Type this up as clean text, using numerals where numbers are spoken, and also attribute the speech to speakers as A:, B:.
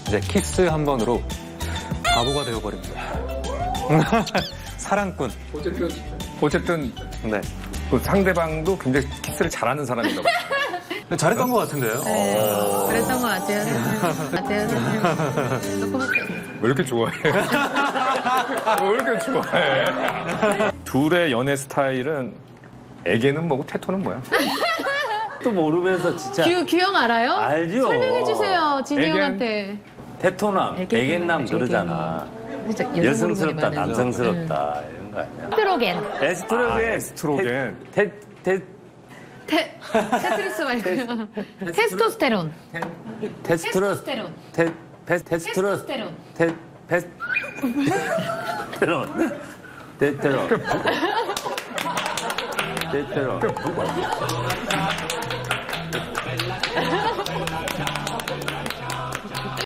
A: 이제 키스 한 번으로 바보가 되어버립니다. 사랑꾼.
B: 어쨌든
A: 네.
B: 그 상대방도 굉장히 키스를 잘하는 사람인가 봐요.
A: 잘했던 것 같은데요?
C: 그랬던 것 같아요.
B: 왜 이렇게 좋아해? 왜 이렇게 좋아해? 둘의 연애 스타일은 애기는 뭐고 태토는 뭐야?
D: 또 모르면서 진짜
C: 규형 알아요?
D: 알죠.
C: 설명해주세요, 진이
B: 애견?
C: 형한테.
D: 태토남, 애견남 그러잖아. 여성스럽다, 남성스럽다 이런 거 아니야?
C: 테트로겐.
D: 에스트로겐.
B: 에스트로겐.
C: 테트리스 말고요. 테스토스테론.
D: 테스트로스테론. 테스트로스테론. 테스테론. 테스테론. 테스테론.